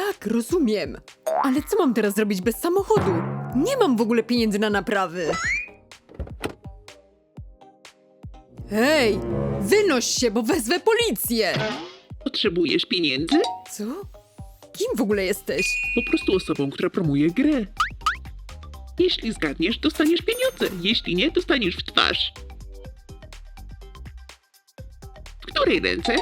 Tak, rozumiem. Ale co mam teraz zrobić bez samochodu? Nie mam w ogóle pieniędzy na naprawy. Hej, wynoś się, bo wezwę policję. Potrzebujesz pieniędzy? Co? Kim w ogóle jesteś? Po prostu osobą, która promuje grę. Jeśli zgadniesz, dostaniesz pieniądze. Jeśli nie, dostaniesz w twarz. W której ręce?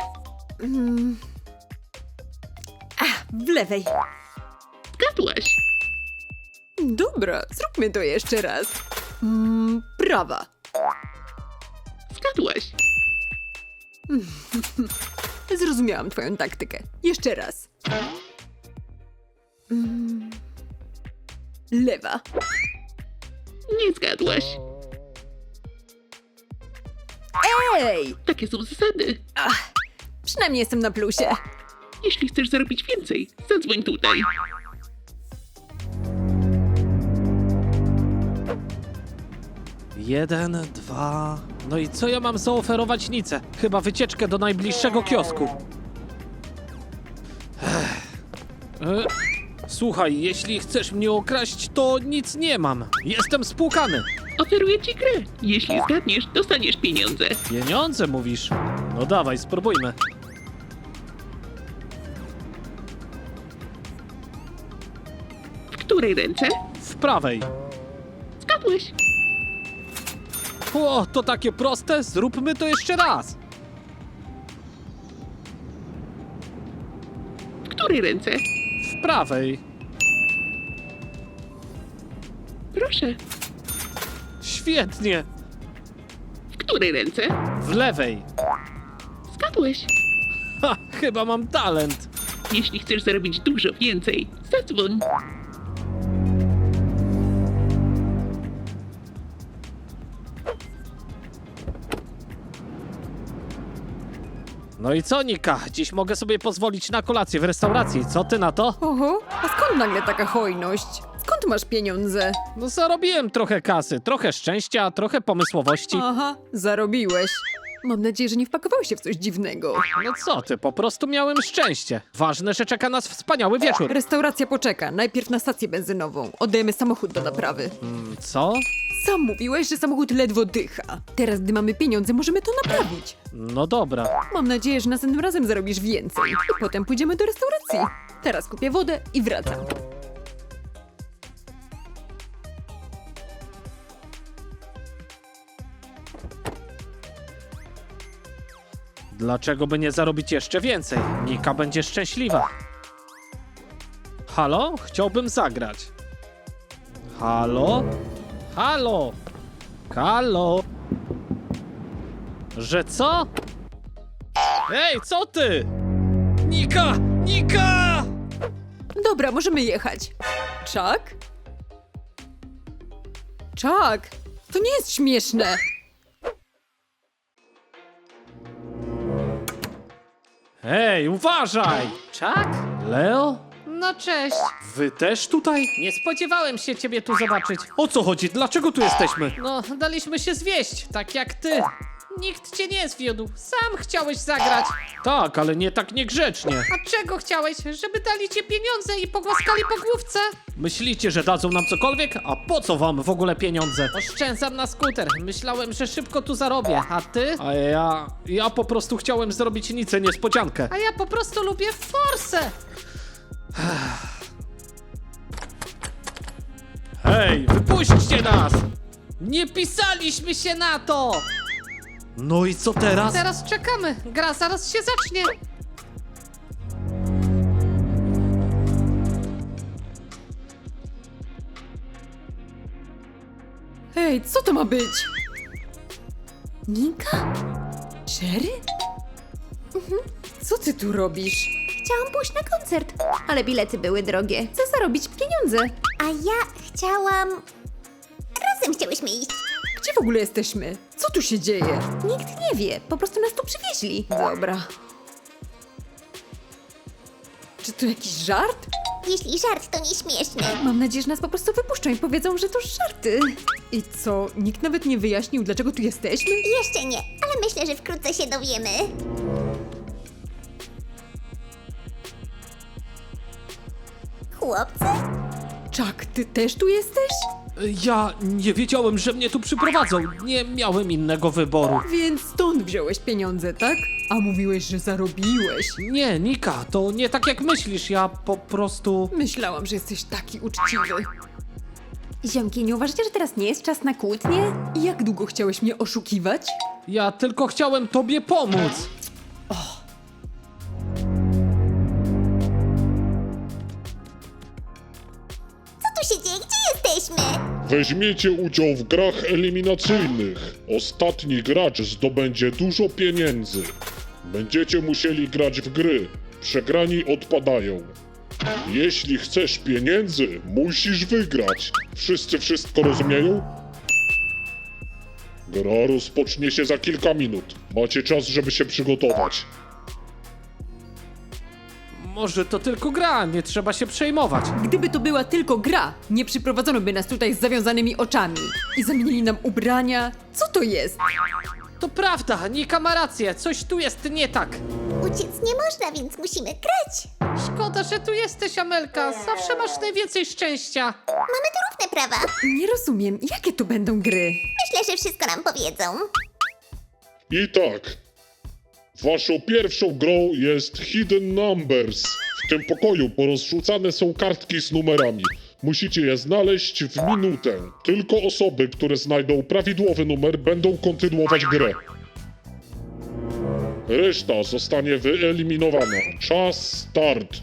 W lewej. Zgadłaś. Dobra, zróbmy to jeszcze raz. Prawa. Zgadłaś. Zrozumiałam twoją taktykę. Jeszcze raz. Lewa. Nie zgadłaś. Ej! Takie są zasady. Przynajmniej jestem na plusie. Jeśli chcesz zarobić więcej, zadzwoń tutaj. Jeden, dwa... No i co ja mam zaoferować Nice? Chyba wycieczkę do najbliższego kiosku. Słuchaj, jeśli chcesz mnie okraść, to nic nie mam. Jestem spłukany. Oferuję ci grę. Jeśli zgadniesz, dostaniesz pieniądze. Pieniądze mówisz? No dawaj, spróbujmy. W której ręce? W prawej. Zgadłeś. O, to takie proste? Zróbmy to jeszcze raz. W której ręce? W prawej. Proszę. Świetnie. W której ręce? W lewej. Zgadłeś. Ha, chyba mam talent. Jeśli chcesz zarobić dużo więcej, zadzwoń. No i co, Nika? Dziś mogę sobie pozwolić na kolację w restauracji. Co ty na to? Oho, a skąd nagle taka hojność? Skąd masz pieniądze? No zarobiłem trochę kasy, trochę szczęścia, trochę pomysłowości. Aha, zarobiłeś. Mam nadzieję, że nie wpakowałeś się w coś dziwnego. No co ty, po prostu miałem szczęście. Ważne, że czeka nas wspaniały wieczór. Restauracja poczeka, najpierw na stację benzynową. Oddajemy samochód do naprawy. Co? Sam mówiłeś, że samochód ledwo dycha. Teraz, gdy mamy pieniądze, możemy to naprawić. No dobra. Mam nadzieję, że następnym razem zarobisz więcej. I potem pójdziemy do restauracji. Teraz kupię wodę i wracam. Dlaczego by nie zarobić jeszcze więcej? Nika będzie szczęśliwa. Halo? Chciałbym zagrać. Halo? Halo? Halo? Że co? Ej, co ty? Nika! Nika! Dobra, możemy jechać. Chuck? Chuck, to nie jest śmieszne. Hej, uważaj! Chuck? Leo? No cześć. Wy też tutaj? Nie spodziewałem się ciebie tu zobaczyć. O co chodzi? Dlaczego tu jesteśmy? No, daliśmy się zwieść, tak jak ty. Nikt cię nie zwiódł, sam chciałeś zagrać. Tak, ale nie tak niegrzecznie. A czego chciałeś? Żeby dali ci pieniądze i pogłaskali po główce? Myślicie, że dadzą nam cokolwiek? A po co wam w ogóle pieniądze? Oszczędzam na skuter. Myślałem, że szybko tu zarobię, a ty? A ja po prostu chciałem zrobić Nicę niespodziankę. A ja po prostu lubię forsę. Hej, wypuśćcie nas! Nie pisaliśmy się na to! No i co teraz? Teraz czekamy. Gra zaraz się zacznie. Hej, co to ma być? Nika? Sherry? Co ty tu robisz? Chciałam pójść na koncert, ale bilety były drogie. Chcę zarobić pieniądze. A ja chciałam... Razem chciałyśmy iść. Gdzie w ogóle jesteśmy? Co tu się dzieje? Nikt nie wie, po prostu nas tu przywieźli. Dobra. Czy to jakiś żart? Jeśli żart, to nieśmieszny. Mam nadzieję, że nas po prostu wypuszczą i powiedzą, że to żarty. I co, nikt nawet nie wyjaśnił, dlaczego tu jesteśmy? Jeszcze nie, ale myślę, że wkrótce się dowiemy. chłopcy? Chuck, ty też tu jesteś? Ja nie wiedziałem, że mnie tu przyprowadzą. Nie miałem innego wyboru. Więc stąd wziąłeś pieniądze, tak? A mówiłeś, że zarobiłeś. Nie, Nika, to nie tak jak myślisz. Ja po prostu... Myślałam, że jesteś taki uczciwy. Ziomki, nie uważacie, że teraz nie jest czas na kłótnie? I jak długo chciałeś mnie oszukiwać? Ja tylko chciałem tobie pomóc. Co tu się dzieje? Gdzie jesteśmy? Weźmiecie udział w grach eliminacyjnych. Ostatni gracz zdobędzie dużo pieniędzy. Będziecie musieli grać w gry. Przegrani odpadają. Jeśli chcesz pieniędzy, musisz wygrać. Wszyscy wszystko rozumieją? Gra rozpocznie się za kilka minut. Macie czas, żeby się przygotować. Może to tylko gra, nie trzeba się przejmować. Gdyby to była tylko gra, nie przyprowadzono by nas tutaj z zawiązanymi oczami. I zamienili nam ubrania. Co to jest? To prawda, Nika ma rację, coś tu jest nie tak. Uciec nie można, więc musimy grać. Szkoda, że tu jesteś, Amelka. Zawsze masz najwięcej szczęścia. Mamy tu równe prawa. Nie rozumiem, jakie to będą gry? Myślę, że wszystko nam powiedzą. I tak. Waszą pierwszą grą jest Hidden Numbers. W tym pokoju porozrzucane są kartki z numerami. Musicie je znaleźć w minutę. Tylko osoby, które znajdą prawidłowy numer, będą kontynuować grę. Reszta zostanie wyeliminowana. Czas start.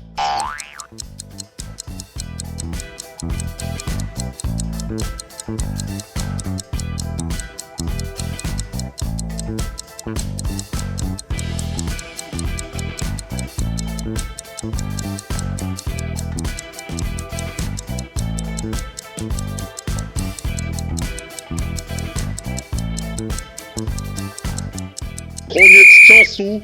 Koniec czasu.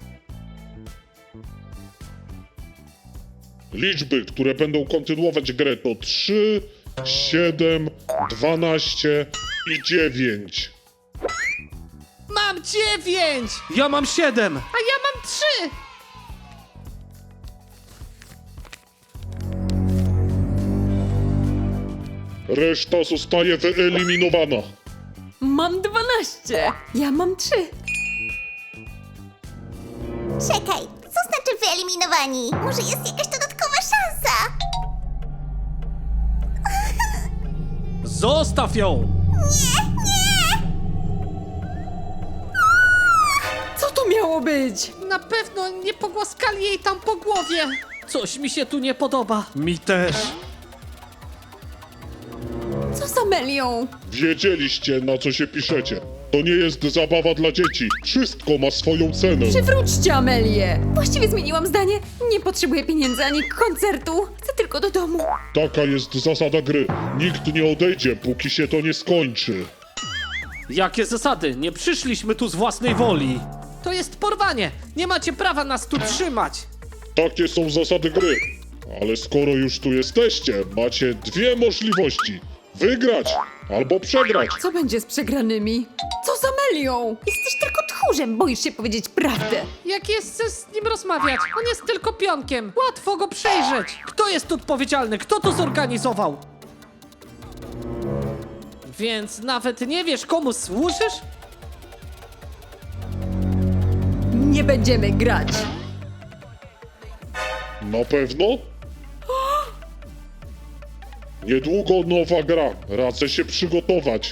Liczby, które będą kontynuować grę to 3, 7, 12 i 9. Mam 9, Ja mam 7. a ja mam 3. Reszta zostaje wyeliminowana. Mam 12. Ja mam 3. Czekaj, co znaczy wyeliminowani? Może jest jakaś dodatkowa szansa? Zostaw ją! Co to miało być? Na pewno nie pogłaskali jej tam po głowie. Coś mi się tu nie podoba. Mi też. Co z Amelią? Wiedzieliście, na co się piszecie. To nie jest zabawa dla dzieci. Wszystko ma swoją cenę. Przywróćcie Amelię! Właściwie zmieniłam zdanie. Nie potrzebuję pieniędzy ani koncertu. Chcę tylko do domu. Taka jest zasada gry. Nikt nie odejdzie, póki się to nie skończy. Jakie zasady? Nie przyszliśmy tu z własnej woli. To jest porwanie. Nie macie prawa nas tu trzymać. Takie są zasady gry. Ale skoro już tu jesteście, macie dwie możliwości. Wygrać albo przegrać. Co będzie z przegranymi? Co z Amelią? Jesteś tylko tchórzem, boisz się powiedzieć prawdę. Jak jest z nim rozmawiać? On jest tylko pionkiem. Łatwo go przejrzeć. Kto jest odpowiedzialny? Kto to zorganizował? Więc nawet nie wiesz, komu służysz? Nie będziemy grać. Na pewno? Niedługo nowa gra. Radzę się przygotować.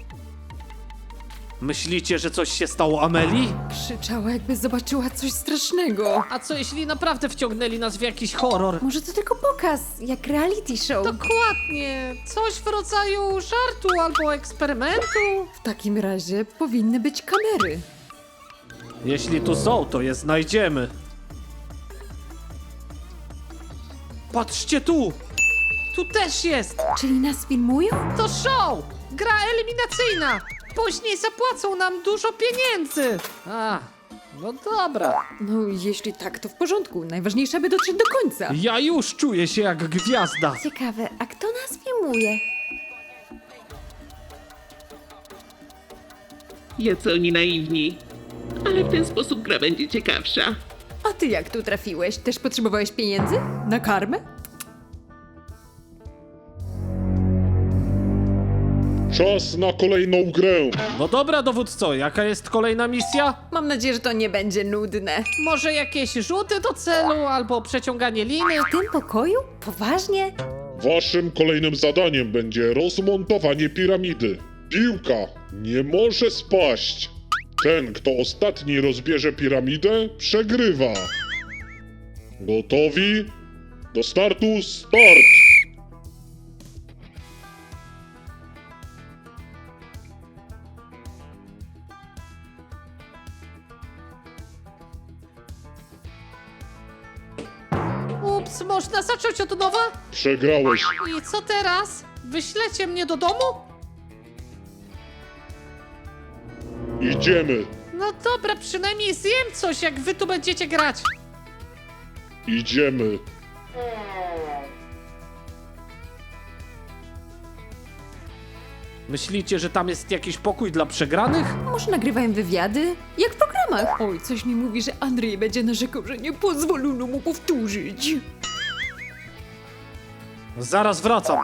Myślicie, że coś się stało Ameli? Krzyczała, jakby zobaczyła coś strasznego. A co jeśli naprawdę wciągnęli nas w jakiś horror? Może to tylko pokaz, jak reality show. Dokładnie. Coś w rodzaju żartu albo eksperymentu. W takim razie powinny być kamery. Jeśli tu są, to je znajdziemy. Patrzcie tu! Tu też jest. Czyli nas filmują? To show. Gra eliminacyjna. Później zapłacą nam dużo pieniędzy. A, no dobra. No, jeśli tak, to w porządku. Najważniejsze, aby dotrzeć do końca. Ja już czuję się jak gwiazda. Ciekawe, a kto nas filmuje? Jacy oni naiwni. Ale w ten sposób gra będzie ciekawsza. A ty jak tu trafiłeś? Też potrzebowałeś pieniędzy? Na karmę? Czas na kolejną grę. No dobra, dowódco, jaka jest kolejna misja? Mam nadzieję, że to nie będzie nudne. Może jakieś rzuty do celu albo przeciąganie liny? W tym pokoju? Poważnie? Waszym kolejnym zadaniem będzie rozmontowanie piramidy. Piłka nie może spaść. Ten, kto ostatni rozbierze piramidę, przegrywa. Gotowi? Do startu, start! Ups, można zacząć od nowa? Przegrałeś. I co teraz? Wyślecie mnie do domu? Idziemy. No dobra, przynajmniej zjem coś, jak wy tu będziecie grać. Idziemy. Myślicie, że tam jest jakiś pokój dla przegranych? Może nagrywają wywiady? Jak w programach. Oj, coś mi mówi, że Andrzej będzie narzekał, że nie pozwolono mu powtórzyć. Zaraz wracam.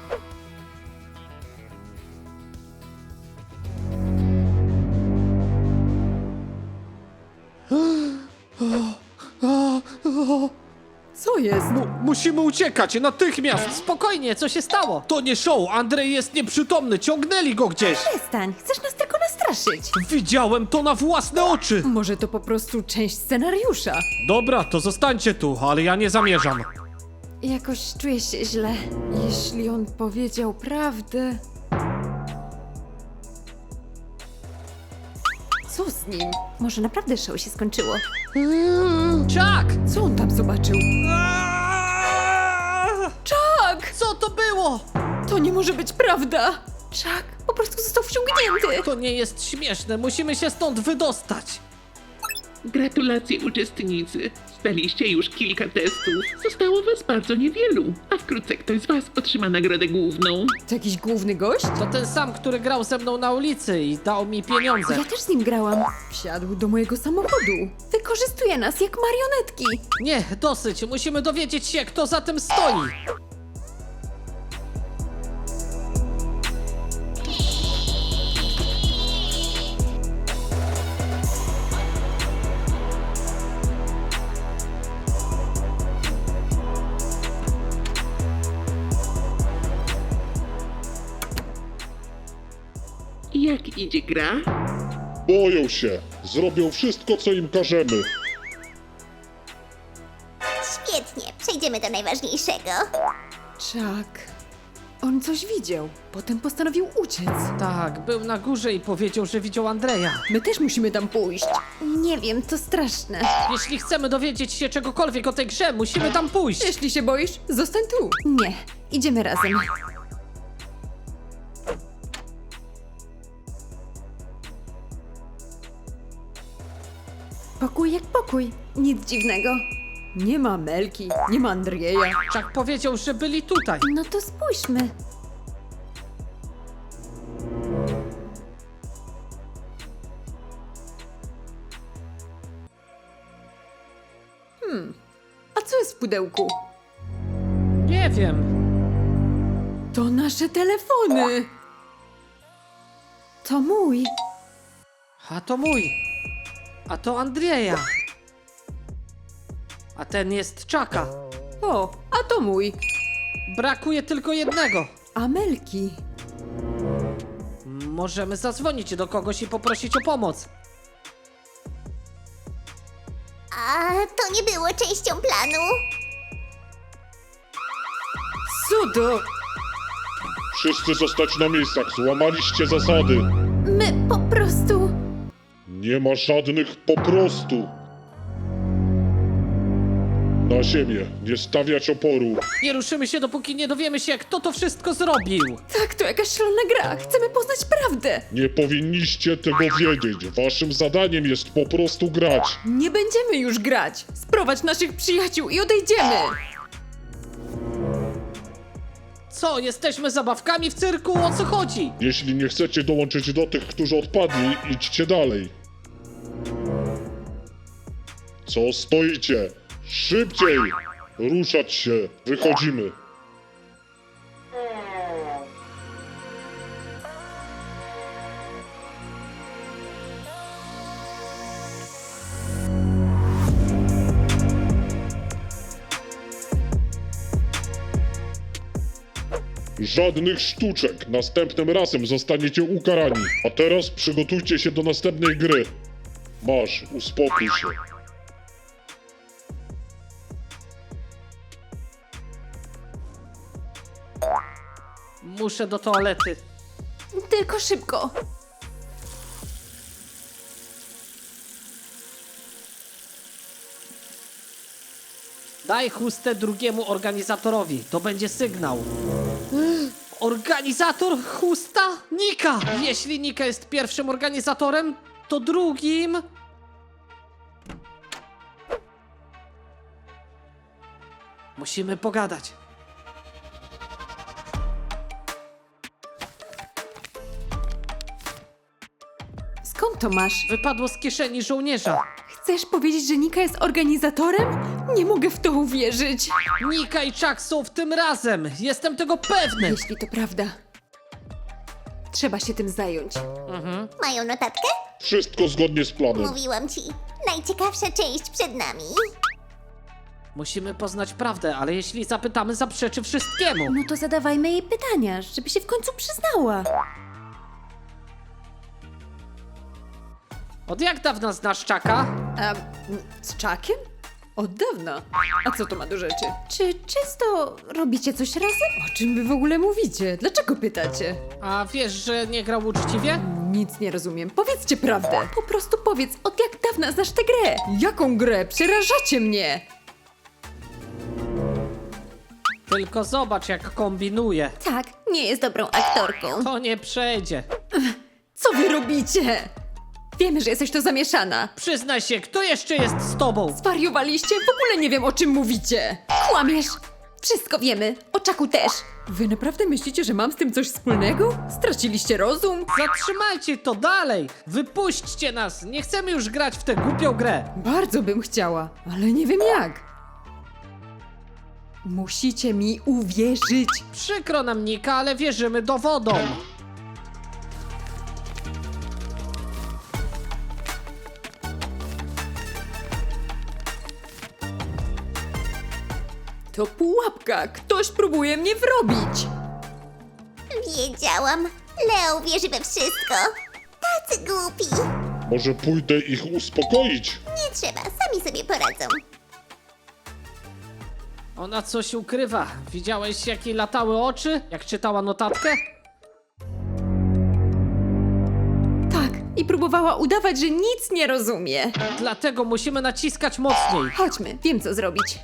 Co jest? Musimy uciekać, natychmiast! Spokojnie, co się stało? To nie show, Andrzej jest nieprzytomny, ciągnęli go gdzieś! Przestań, chcesz nas tylko nastraszyć. Widziałem to na własne oczy! Może to po prostu część scenariusza. Dobra, to zostańcie tu, ale ja nie zamierzam. Jakoś czuję się źle. Jeśli on powiedział prawdę... Co z nim? Może naprawdę show się skończyło? Chuck! Co on tam zobaczył? Chuck! Co to było? To nie może być prawda! Chuck po prostu został wciągnięty! To nie jest śmieszne, musimy się stąd wydostać. Gratulacje uczestnicy. Zdaliście już kilka testów. Zostało was bardzo niewielu, a wkrótce ktoś z was otrzyma nagrodę główną. To jakiś główny gość? To ten sam, który grał ze mną na ulicy i dał mi pieniądze. Ja też z nim grałam. Wsiadł do mojego samochodu. Wykorzystuje nas jak marionetki. Nie, dosyć, musimy dowiedzieć się, kto za tym stoi. Jak idzie gra? Boją się. Zrobią wszystko, co im każemy. Świetnie, przejdziemy do najważniejszego. Chuck. On coś widział. Potem postanowił uciec. Tak, był na górze i powiedział, że widział Andrzeja. My też musimy tam pójść. Nie wiem, to straszne. Jeśli chcemy dowiedzieć się czegokolwiek o tej grze, musimy tam pójść. Jeśli się boisz, zostań tu. Nie, idziemy razem. Pokój jak pokój. Nic dziwnego. Nie ma Melki, nie ma Andrzeja. Chuck powiedział, że byli tutaj. No to spójrzmy. A co jest w pudełku? Nie wiem. To nasze telefony. To mój. A to mój. A to Andrzeja. A ten jest Chucka. O, a to mój. Brakuje tylko jednego. A Melki. Możemy zadzwonić do kogoś i poprosić o pomoc. A to nie było częścią planu. Co to? Wszyscy zostać na miejscach. Złamaliście zasady. My po prostu... Nie ma żadnych po prostu. Na ziemię. Nie stawiać oporu. Nie ruszymy się, dopóki nie dowiemy się, kto to wszystko zrobił. Tak, to jakaś szalona gra. Chcemy poznać prawdę. Nie powinniście tego wiedzieć. Waszym zadaniem jest po prostu grać. Nie będziemy już grać. Sprowadź naszych przyjaciół i odejdziemy. Co, jesteśmy zabawkami w cyrku? O co chodzi? Jeśli nie chcecie dołączyć do tych, którzy odpadli, idźcie dalej. Co stoicie? Szybciej! Ruszać się! Wychodzimy! Żadnych sztuczek. Następnym razem zostaniecie ukarani. A teraz przygotujcie się do następnej gry. Masz, uspokój się. Muszę do toalety. Tylko szybko. Daj chustę drugiemu organizatorowi. To będzie sygnał. Organizator chusta? Nika! Jeśli Nika jest pierwszym organizatorem, to drugim... Musimy pogadać. Skąd to masz? Wypadło z kieszeni żołnierza. Chcesz powiedzieć, że Nika jest organizatorem? Nie mogę w to uwierzyć. Nika i Chuck są w tym razem. Jestem tego pewny. Jeśli to prawda, trzeba się tym zająć. Mają notatkę? Wszystko zgodnie z planem. Mówiłam ci. Najciekawsza część przed nami. Musimy poznać prawdę, ale jeśli zapytamy, zaprzeczy wszystkiemu. No to zadawajmy jej pytania, żeby się w końcu przyznała. Od jak dawna znasz Chucka? A z Chuckiem? Od dawna. A co to ma do rzeczy? Czy często robicie coś razem? O czym wy w ogóle mówicie? Dlaczego pytacie? A wiesz, że nie grał uczciwie? Nic nie rozumiem. Powiedzcie prawdę. Po prostu powiedz, od jak dawna znasz tę grę? Jaką grę? Przerażacie mnie! Tylko zobacz, jak kombinuje. Tak, nie jest dobrą aktorką. To nie przejdzie. Co wy robicie? Wiemy, że jesteś to zamieszana. Przyznaj się, kto jeszcze jest z tobą? Zwariowaliście? W ogóle nie wiem, o czym mówicie. Kłamiesz! Wszystko wiemy. O Chucku też. Wy naprawdę myślicie, że mam z tym coś wspólnego? Straciliście rozum? Zatrzymajcie to dalej! Wypuśćcie nas! Nie chcemy już grać w tę głupią grę! Bardzo bym chciała, ale nie wiem jak. Musicie mi uwierzyć. Przykro nam, Nika, ale wierzymy dowodom. To pułapka. Ktoś próbuje mnie wrobić. Wiedziałam. Leo wierzy we wszystko. Tacy głupi. Może pójdę ich uspokoić? Nie trzeba, sami sobie poradzą. Ona coś ukrywa. Widziałeś, jak jej latały oczy? Jak czytała notatkę? Tak, i próbowała udawać, że nic nie rozumie. Dlatego musimy naciskać mocniej. Chodźmy, wiem co zrobić.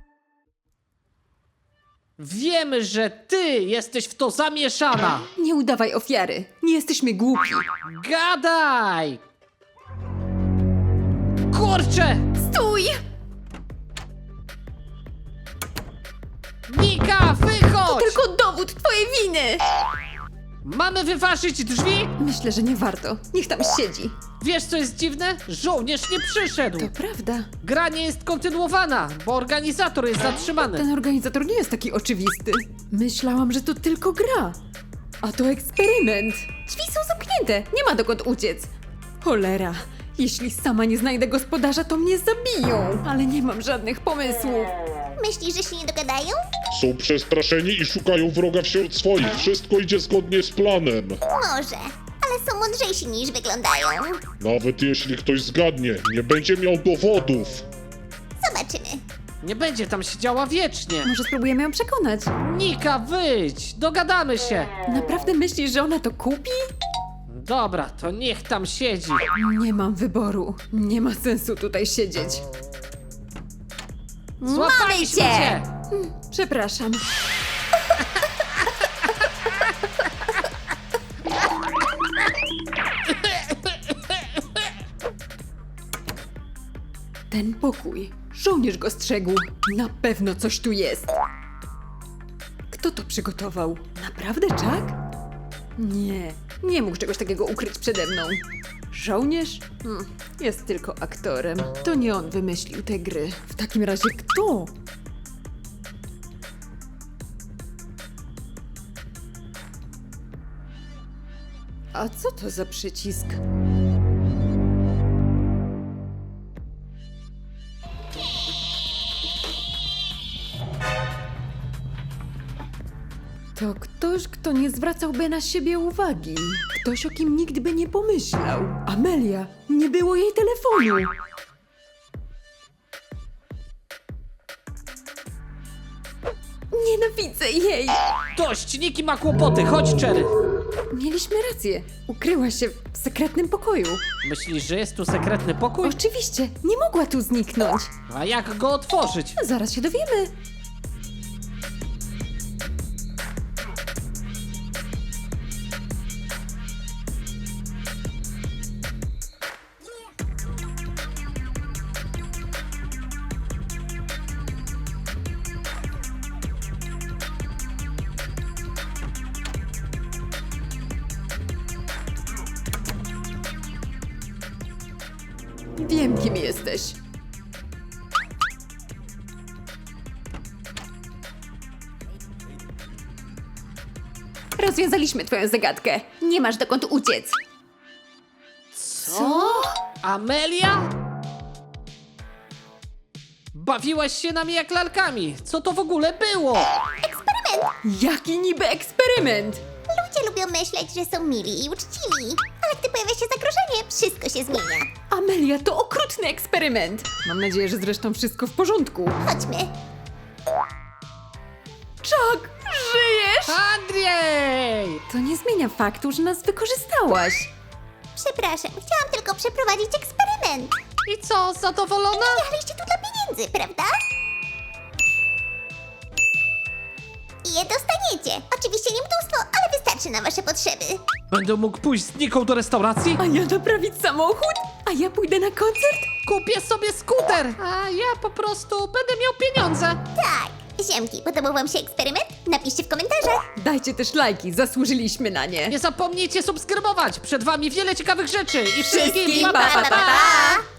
Wiemy, że ty jesteś w to zamieszana. Nie udawaj ofiary. Nie jesteśmy głupi. Gadaj! Kurczę! Stój! Nika, wychodź! Tylko dowód twojej winy! Mamy wyważyć drzwi? Myślę, że nie warto. Niech tam siedzi. Wiesz, co jest dziwne? Żołnierz nie przyszedł. To prawda. Gra nie jest kontynuowana, bo organizator jest zatrzymany. Ten organizator nie jest taki oczywisty. Myślałam, że to tylko gra. A to eksperyment. Drzwi są zamknięte. Nie ma dokąd uciec. Cholera. Jeśli sama nie znajdę gospodarza, to mnie zabiją. Ale nie mam żadnych pomysłów. Myślisz, że się nie dogadają? Są przestraszeni i szukają wroga wśród swoich. Wszystko idzie zgodnie z planem. Może, ale są mądrzejsi niż wyglądają. Nawet jeśli ktoś zgadnie, nie będzie miał dowodów. Zobaczymy. Nie będzie tam siedziała wiecznie. Może spróbujemy ją przekonać. Nika, wyjdź! Dogadamy się! Naprawdę myślisz, że ona to kupi? Dobra, to niech tam siedzi. Nie mam wyboru. Nie ma sensu tutaj siedzieć. Złapaliśmy cię! Przepraszam. Ten pokój. Żołnierz go strzegł. Na pewno coś tu jest. Kto to przygotował? Naprawdę Chuck? Nie, nie mógł czegoś takiego ukryć przede mną. Żołnierz? Jest tylko aktorem. To nie on wymyślił te gry. W takim razie kto? A co to za przycisk? To ktoś, kto nie zwracałby na siebie uwagi. Ktoś, o kim nikt by nie pomyślał. Amelia, nie było jej telefonu. Nienawidzę jej. Dość, Niki ma kłopoty, chodź Cherry. Mieliśmy rację. Ukryła się w sekretnym pokoju. Myślisz, że jest tu sekretny pokój? Oczywiście, nie mogła tu zniknąć. A jak go otworzyć? Zaraz się dowiemy. Wiem, kim jesteś. Rozwiązaliśmy twoją zagadkę. Nie masz dokąd uciec. Co? Amelia? Bawiłaś się nami jak lalkami. Co to w ogóle było? Jaki niby eksperyment? Ludzie lubią myśleć, że są mili i uczciwi. Ale gdy pojawia się zagrożenie, wszystko się zmienia. Amelia, to okrutny eksperyment. Mam nadzieję, że zresztą wszystko w porządku. Chodźmy. Chuck, żyjesz? Andrzej! To nie zmienia faktu, że nas wykorzystałaś. Przepraszam, chciałam tylko przeprowadzić eksperyment. I co, zadowolona? Jechaliście tu dla pieniędzy, prawda? I je dostaniecie. Oczywiście nie mnóstwo, ale wystarczy na wasze potrzeby. Będę mógł pójść z Niką do restauracji? A ja naprawić samochód? A ja pójdę na koncert? Kupię sobie skuter, a ja po prostu będę miał pieniądze. Tak. Ziemki, podobał wam się eksperyment? Napiszcie w komentarzach. Dajcie też lajki, zasłużyliśmy na nie. Nie zapomnijcie subskrybować, przed wami wiele ciekawych rzeczy i Wszystkim wszystkim pa, pa, pa, pa.